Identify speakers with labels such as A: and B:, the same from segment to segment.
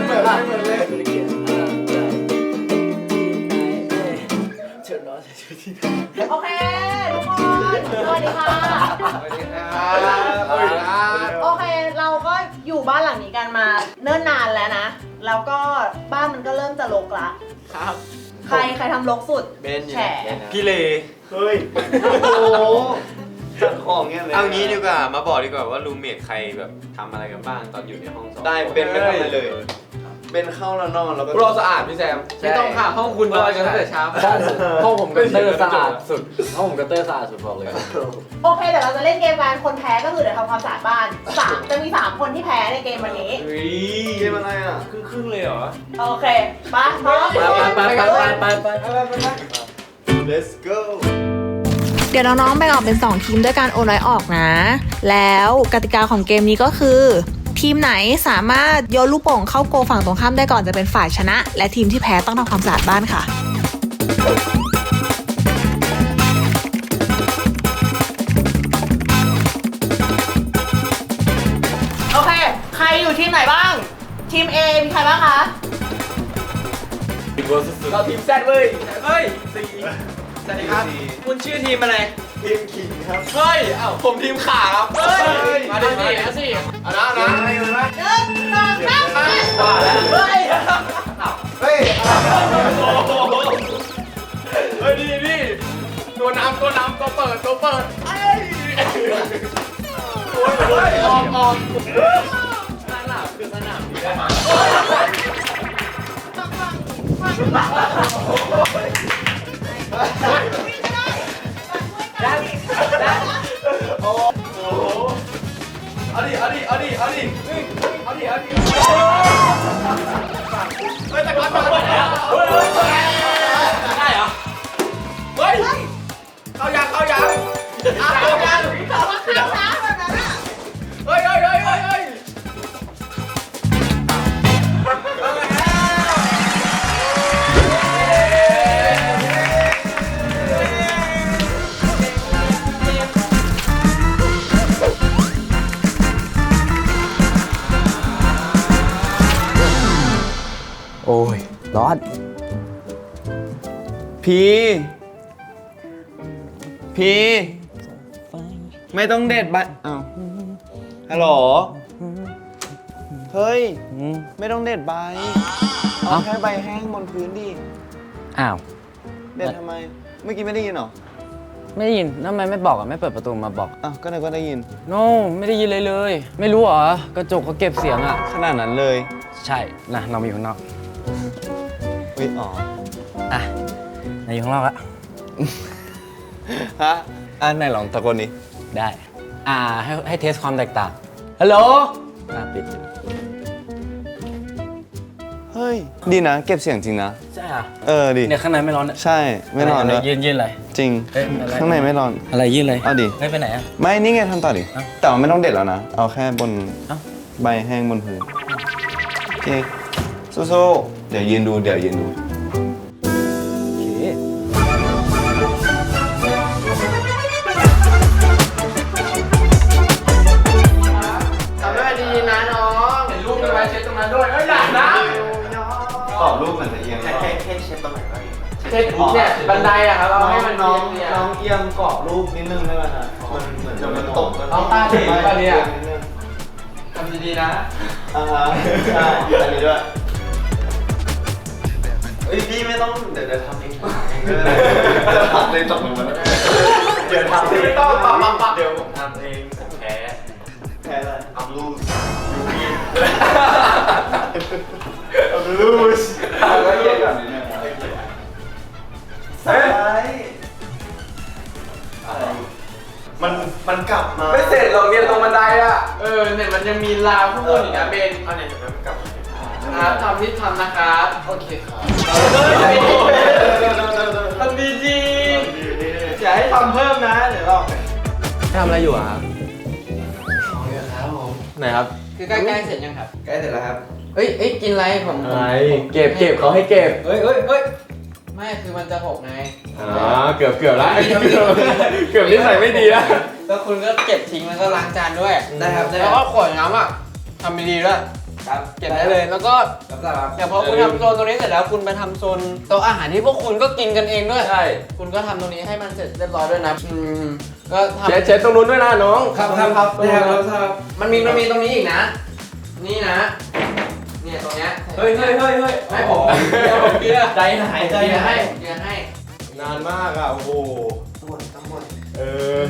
A: เหมือนเลย
B: โอเคทุกคนสวัสดีค่ะโอเคเราก็อยู่บ้านหลังนี้กันมาเนิ่นนานแล้วนะแล้วก็บ้านมันก็เริ่มจะรกละ
A: ครับ
B: ใครทำรกสุดแฉ
C: พี่เล
A: เฮ้ยโอ้โหจัดของเงี้ยเลย
C: เอางี้ดีกว่ามาบอกดีกว่าว่ารูมเมทใครแบบทำอะไรกันบ้างตอนอยู่ในห้องสอบ
A: ได้เป็นไม่ทำอะไรเลยเป็นเข้าแล้วนอนแล้วก็
D: เราสะอาดพี่แซมไม่ต้องค่ะห้องคุณนอนกันตั้งแต่เช้าห้องผมก็เตอร์สะอาดสุดห้องผมก็เตอร์สะอาดสุดบอกเลย
B: โอเคเดี๋ยวเราจะเล่นเกมกันคนแพ้ก็คือเดี๋ยวทำความสะอาดบ้านจะมี3คนที่แพ้ในเกมวันนี้
A: เกมอะไรอ่ะ
D: ครึ่งเลยเหรอ
B: โอเคไปพร้อม
D: ไป
A: let's go
B: เดี๋ยวน้องๆแบ่งออกเป็น2ทีมด้วยการโอนน้อยออกนะ แล้วกติกาของเกมนี้ก็คือ ทีมไหนสามารถโยนลูกโป่งเข้าโกฝั่งตรงข้ามได้ก่อนจะเป็นฝ่ายชนะ และทีมที่แพ้ต้องทำความสะอาดบ้านค่ะโอเคใครอยู่ทีมไหนบ้างทีม A มีใครบ้างคะ
D: เราทีมแซดเว้ยเฮ้ยสวัสดีครับคุณชื่อทีมอะไร
A: ทีมขิงครับ
D: เฮ้ยเอ้าผมทีมขาครับเฮ้ยมาดิเอาสิเอานะ
A: อะไรกันวะ
B: 1 2 3
D: ว่าแล้ว
B: เฮ้ย
A: เฮ้ย
D: เฮ้ยนี่ตัวน้ำตัวเปิดเอ้ยโอ้ยออกสนามคือสนามนี้ได้ไหมโอ้โหเอาดิเฮ้ยแต่ก่อนได้เหรอเฮ้ยเข้ายังเฮ้ย
E: โอ้ยร้อน
A: พีไม่ต้องเด็ดใบอ้าวฮัลโหลเฮ้ยไม่ต้องเด็ดใบเอาแค่ใบแห้งบนพื้นดิ
E: อ้าว
A: เด็ดทำไมเมื่อกี้ไม่ได้ยินเหรอ
E: ไม่ได้ยินทำไมไม่บอกอ่ะไม่เปิดประตูมาบอก
A: อ้าวก็นึกว่าได้ยิน
E: โน้ไม่ได้ยินเลย ไม่รู้เหรอกระจกเขาเก็บเสียงอ่ะ
A: ขนาดนั้นเลย
E: ใช่นะเรามาอยู่ข้างนอก
A: อุ๊ยอ๋อ
E: อ่ะนายอยู่ข้างนอกละ
A: ฮะไหนลองตะโกนดิ
E: ได้ให้เทสความแตกต่างฮัลโหลปิด
A: เฮ้ยดีนะเก็บเสียงจริงนะ
E: ใช่อ่ะ
A: ดิ
E: เนี่ยข้างในไม่ร้อน
A: ใช่ไม่ร้อน
E: เล
A: เลย ย
E: ยืนอะไร
A: จริง
E: เอ๊ะอะไร
A: ข้างในไม่ร้อน
E: อะไรยืนเลย
A: เอาดิ
E: ไม่ไปไหนอ่ะ
A: ไม่นี่ไงทำต่อดิ
E: เอ้า
A: แต่ว่าไม่ต้องเด็ดแล้วนะ เอาแค่บน
E: เอ้า
A: ใบแห้งบนพื้นโอเคสู้ๆเดี๋ยวยืนดู
E: โอเค
D: ทำได้ดีนะน้องเห็นรูปมีไว้เช็ดตรงนั้นด้วยเอ้ยอย่านะ
A: ตอบรูปเหมือนจะเอียง
D: แค่เช็ดตรงไหนก็ดีเช็ดเนี่ยบันไดอะครับเอาให้มัน
A: น้อง
D: เนีย
A: น้องเอียงกรอบรูปนิดนึงได้ไหมฮะมันเหมือนจะมันตก
D: น้องตาดีป่ะเนี่ยทำดีๆนะ
A: อ่าฮะใช่อันนี้ด้วยเฮ้ยพี่ไม่ต้องเดี๋ยวทำเองจะทำเลยตกลงมาเดี๋ยวทำเอง
D: ไม่ต้องปั๊บเดี๋ยวผมทำเองผมแพ้
A: แพ้อะไร
D: อัพรูส
A: ลูสแล้วเย็นก่อนนิดนึงใช่มันกลับมา
D: ไม่เสร็จหรอกเนี่ยตรงบันไดอะเนี่ยมันยังมีราวข้างบนอีกนะเบนเอาเนี่ยเดี๋ยวมันกลับครับทำที่ทำนะครับโอเคครับทำดีอย่าให้ทำเพิ่มนะเดี๋ยวเรา
E: ทำอะไรอยู่อ่ะครับ ไหนครับ
D: คือใกล้ๆเสร็จยังครับใกล้เสร็จแล้วครับ
F: เอ้ยกินอะไรผม
E: อะไรเก็บเขาให้เก็บ
F: เฮ้ยไม่คือมันจะหกไง
E: เกือบแล้วเกือบนิสัยไม่ดีแล้ว
F: แล้วคุณก็เก็บทิ้งแล้วก็ล้างจานด้วย
D: ได้ครับ
F: แล้วก็ขวดน้ำอ่ะทำดีๆด้วย
D: ค
F: เก็บได้เลยแล้วก็เดี๋ยวพอคุณทำโซนตรงนี้เสร็จแล้วคุณไปทำโซนโต๊ะอาหารที่พวกคุณก็กินกันเองด้วย
D: ใช่
F: คุณก็ทำตรงนี้ให้มันเสร็จเรียบร้อยด้วยนะก็ทำ
D: เช็ดตรงนู้นด้วยนะน้อง
F: ครับมันมีตรงนี้อีกนะ นี่นะเนี่ยตรงเนี้ย
D: เฮ้ย
F: ให้ผมเดี๋ยวผมเกลียร์
D: ใจหายใจ
F: เกลียร์
D: หา
F: ให้
D: ย
F: เกลียร์ให้
D: นานมากอ่ะโอ้โห
F: ทั้งหมด
D: เออ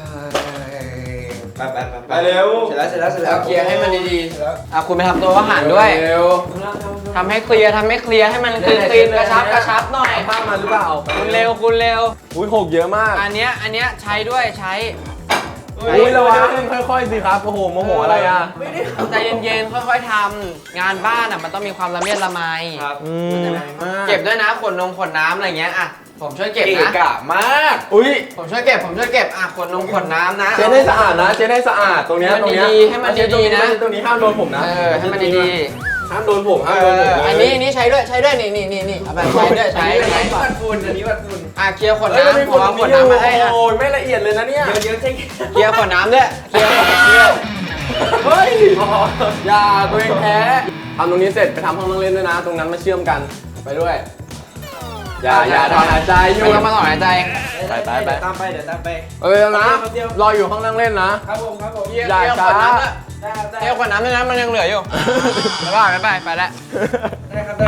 A: ไป
D: ไปเร็ว
A: เสร็จแล้ว
F: เอาเกลียร์ให้มันดีๆคุณไปทำตัวอาหารด้วย
D: เร็ว
F: ทำให้เคลียร์ให้มันคลีนกระชับหน่อย
D: ผ้ามาหรือเปล่า
F: คุณเร็ว
D: อุ้ยหกเยอะมาก
F: อันเนี้ยใช้ด้วยใช้
D: อุ้ยระวังค่อยๆสิครับโอ้โหโมโหอะไรอ่ะ
F: ใจเย็นๆค่อยๆทำงานบ้านมันต้องมีความละเมียดละไม เก็บด้วยนะขวดน้ำอะไรเงี้ยผมช่วยเก็บนะ
A: กะมาก
D: อุ้ย
F: ผมช่วยเก็บขวดน้ำนะ
D: เช็ดให้สะอาดนะเช็ดให้สะอาดตรงเนี้ย
F: ให้มันดีๆนะ
D: ตรงนี้ห้ามโดนผมนะ
F: ให้มันดี
D: ห้ามโดนผมห้ามโดนผม
F: ๆอันนี้ใช้ด้วยนี่เอาไปใช้ด้วย
A: วัดฝุ่นอันนี้วัดฝุ่น
F: เคลียร์ขวด
D: เฮ้ย
F: น้ำ
D: ไม่
F: ผมเอาขวดน้ำมาให้
D: โอ้ยไม่ละเอียดเลยนะเนี่ย
A: เยอะๆใช่
F: เคลียร์ขวดน้ำด้วยเคลียร์
D: เฮ้ยอย่าตัวเองแพ้ทำตรงนี้เสร็จไปทำห้องนั่งเล่นด้วยนะ ตรงนั้นมาเชื่อมกันไปด้วยอย่าถอนหายใจอยู่
F: ไม่ต้องมาต่อหายใจ
D: ไป
A: เดี๋ยวตามไป
D: นะรออยู่ห้องนั่งเล่นนะ
A: ครับผม
D: อย่าช้า
F: เคลียร์ขวดน้ำด้วยนะมันยังเหลืออยู่แล้วก็ไปแล้ว
A: ได้ครับ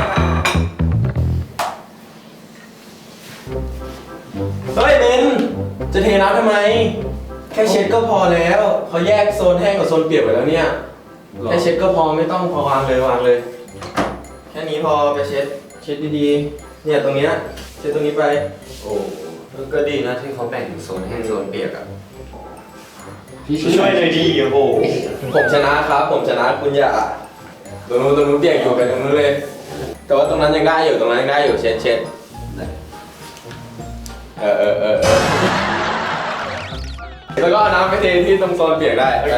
D: เฮ้ยเบนจะเทน้ำทำไม แค่เช็ดก็พอแล้วเขาแยกโซนแห้งกับโซนเปียกไว้แล้วเนี่ยแค่เช็ดก็พอไม่ต้องพอวางเลย แค่นี้พอไปเช็ดดีๆเนี่ยตรงเนี้ยเช็ดตรงนี้ไป
C: โอ้ก็ดีนะที่เขาแบ่งโซนแห้งโซนเปียกอะ
A: ช่วยหน่อยดีโอ้โห
D: ผมชนะครับผมชนะคุณอย่าตรงนู้นเปียกอยู่ไปตรงนู้นเลย แต่ว่าตรงนั้นยังได้อยู่เช็ดแล้วก็เอาน้ำไปเทที่ตรงโซนเปียกได้โอเค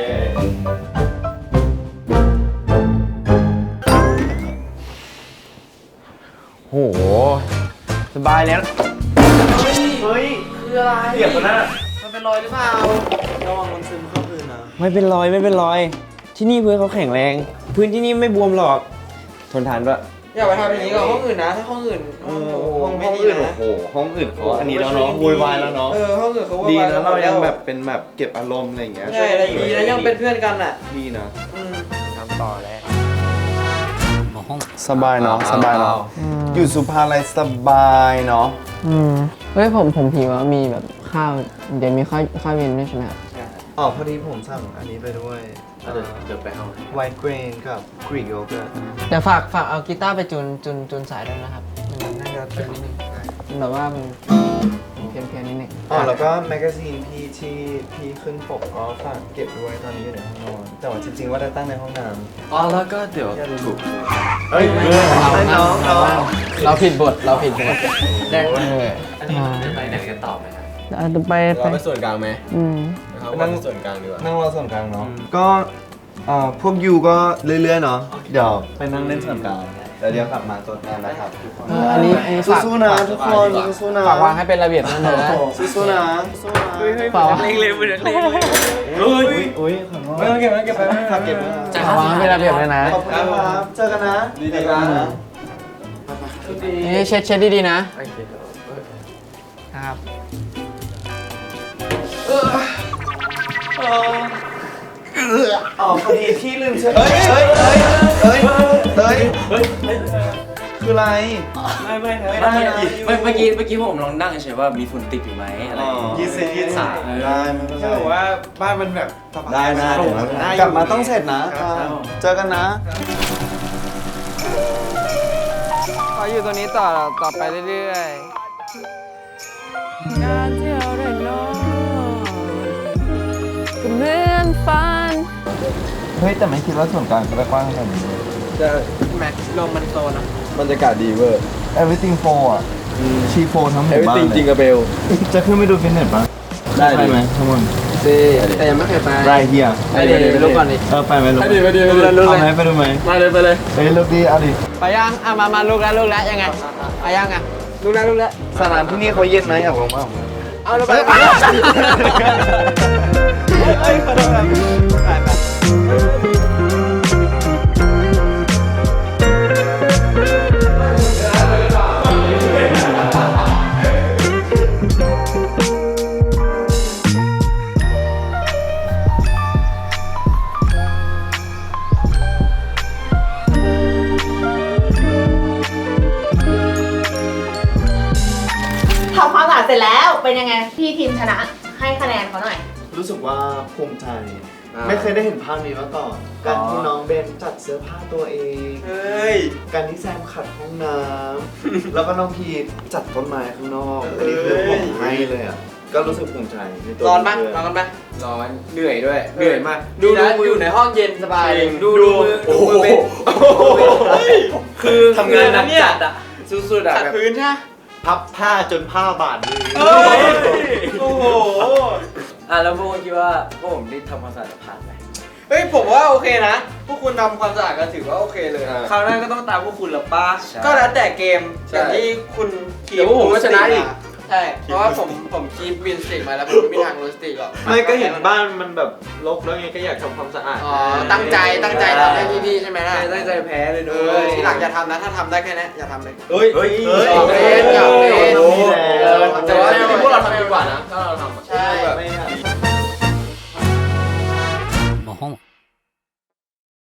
A: โหสบายแล้วเฮ้ยคืออะไรเปียกมันน่ะ
F: มันเป็นรอยหรือเปล่า
A: ระวังมันซึมเข้าพื้นนะ
G: ไม่เป็นรอยที่นี่พื้นเขาแข็งแรง พื้นที่นี่ไม่บวมหรอก ทนทานด้วย
F: อย่าไปทำอย่างนี้กับห้องอื่นนะถ้าห้องอื่นห้องไม่ดีนะ
A: โอ้โหห้องอื่นเขาอันนี้แล้วเนาะโวยวายแล้วเนาะ
F: ห้องอื่นเขา
A: ดีนะเรายังแบบเป็นแบบเก็บอารมณ์อะไรอย่างเงี้ย
F: ใช่อะไรดีแล้วยังเป็นเพื่อนกันอ่ะ
A: ดีนะ
G: ทำต่อแล้ว
A: สบายเนาะสบายเนาะอยู่สุภาลัยสบายเนาะ
F: เฮ้ยผมหิวมีแบบข้าวเดี๋ยวมีข้าวเย็นด้วยใช่ไหมครับ
A: อ๋อพอดีผมสั่งอันนี้ไปด้วยเดี๋ยวไปเอาไวท์เกรนกับกรีกโยเกิร์ต
F: เดี๋ยวฝากเอากีตาร์ไปจูนสายด้วยนะครับมันน่าจะเป็นนิดนึงแบบว่ามันเพี้ยนนิดนึง
A: อ๋อแล้วก็แมกกาซีนพี่ที่พี่ขึ้นปกก็ฝากเก็บด้วยตอนนี้อยู่ในห้องนอนแต่ว่าจริงๆว่าจะตั้งในห้องน้ำ
C: อ๋อแล้วก็เดี๋ยวถูก
A: เฮ้ยน้อง
F: เราผิดบทได้
C: อันนี้จะไปไหนกันต่อไหมครับ
F: ไป
D: เราไปส่วนกลางไหม
A: นั่
D: นั่
A: ง
D: งส่วนกลางดีกว่า
A: นั่งรอส่วนกลางเนาะก็พวกยูก็เรื่อยๆเนาะเดี๋ยวไปนั่งเล่นส่วนกลางแล้วเดี๋ยวกลับมาตัวแทนนะครับทุกคน
F: อันนี้ฝาก
A: สู้ๆนะทุกคนสู้ๆนะ
F: ฝากวางให้เป็นระเบียบนั่นนะ
A: สู้ๆนะ
F: ฝากวาง
A: อุ้ยขอโทษไม่ต้องเก็บไปฝากเก็บไว้นะ
F: ฝากวางให้เป็นระเบียบเลยนะ
A: ขอบคุณครับเจอกันนะดีๆนะ
F: นี่เช็ดดีๆนะนะครับ
A: อ๋อพอดีพี่ลืมเช็ดเฮ้ยคืออะไรไม่
G: เมื่อกี้ผมลองนั่งเฉยๆว่ามีฝุ่นติดอยู่ไหมอะไรอย่างเงี้ย
A: ยืดเส้นยืดสายได้ไม่เป็นไร
D: บอกว่าบ้านมันแบบสบาย
A: ได้เดี๋ยวกลับมาต้องเสร็จนะเจอกันนะ
F: ขออยู่ตรงนี้ต่อไปเรื่อยๆการที่เราได้นอนก็เหมือนฝัน
A: เฮ้ยแต่ไม่คิดว่าส่วนกลางจะกว้างขนาดนี้
F: แม็กลมมันโตนะ
D: บรรยากาศดีเวอร์
A: everything 4 อ่ะชีโฟทั้งหมู่บ้าน
D: everything จริงกับเบล
A: จะขึ้นไปดูฟิตเนสปะ
D: ได้ดิ
A: ไปไหมทุกคน
F: แต่ยังไม่เคยไป
A: ไรเฮีย
F: ไปดิไปดูก่อนดิ
A: ไปไหมลูก
D: ไปดิ
A: เอาไหมไปดูไหม
D: มาเลย
A: เฮ้ยลูกดีเอาดิ
F: ไปยังมาลูกแล้วยังไงไปยังอ่ะลูกแล้ว
A: สนามที่นี่เขาเย็นไหมอยากลงบ้าง
F: เอาเราไป
A: เฮ้ยขอโทษครับไป
B: เสร็จแล้วเป็นยังไงพี่ทีมชนะให้คะแนนเขาหน่อย
A: รู้สึกว่าภูมิใจ ไม่เคยได้เห็นภาพนี้มาก่อน การที่น้องเบนจัดเสื้อผ้าตัวเอง
D: เฮ้ย
A: การที่แซมขัดห้องน้ำ แล้วก็น้องพีจัดต้นไม้ข้างนอก อันนี้คือผมให้เลยอ่ะ ก็รู้สึกภูมิใจในตัว
F: ร้อนปะ
A: เพื่
F: ร้อนกันปะ
D: ร้อนเหนื่อยด้วยเหนื่อยมาก
F: ดูอยู่ในห้องเย็นสบาย
D: ดูมือดูมือเบนคือทำงานหนักจัดอะสุดๆอะ
F: ขัด
D: แบบ
F: พื้นใช่ไหม
A: พับผ้าจนผ้าบาดมือ
D: เฮ้ยโอ้โห
E: แล้วพวกคุณคิดว่าพวกผมได้ทำความสะอาดผ่านไหม
F: เฮ้ยผมว่าโอเคนะ พวกคุณทำความสะอาดกันถือว่าโอเคเลย
G: คราวหน้าก็ต้องตามพวกคุณละป้า
F: ก็แล้วแต่เกม
D: ใช่
F: อย่างที่คุณคี
D: เดี๋ยวพวกผมก็ชนะอีก
F: ใช่ เพราะว่าผมคีบวินสติกมาแล้วผมไม่มีทางโรสติกหรอก
G: ไม่ก็เห็นบ้านมันแบบรกแล้วไงก็อยากทำความสะอาด
F: อ๋อตั้งใจทำให้พี่ๆใช่ไหมล่ะ
G: ตั้งใจแพ้เลย
F: เอ
G: ด้ว
F: อย ทีหลังอย่าทำนะถ้าทำได้แค่นี้อย่าทำเลย
G: เฮ้ย
A: เฮ้ย
F: หยอกเล่นหยอกเล่น
A: โอ้โห
F: แต่ว่า
D: จริงๆพวกเราทำดีกว่านะถ้าเราทำอะ
F: ใช่
A: ไม่อยากท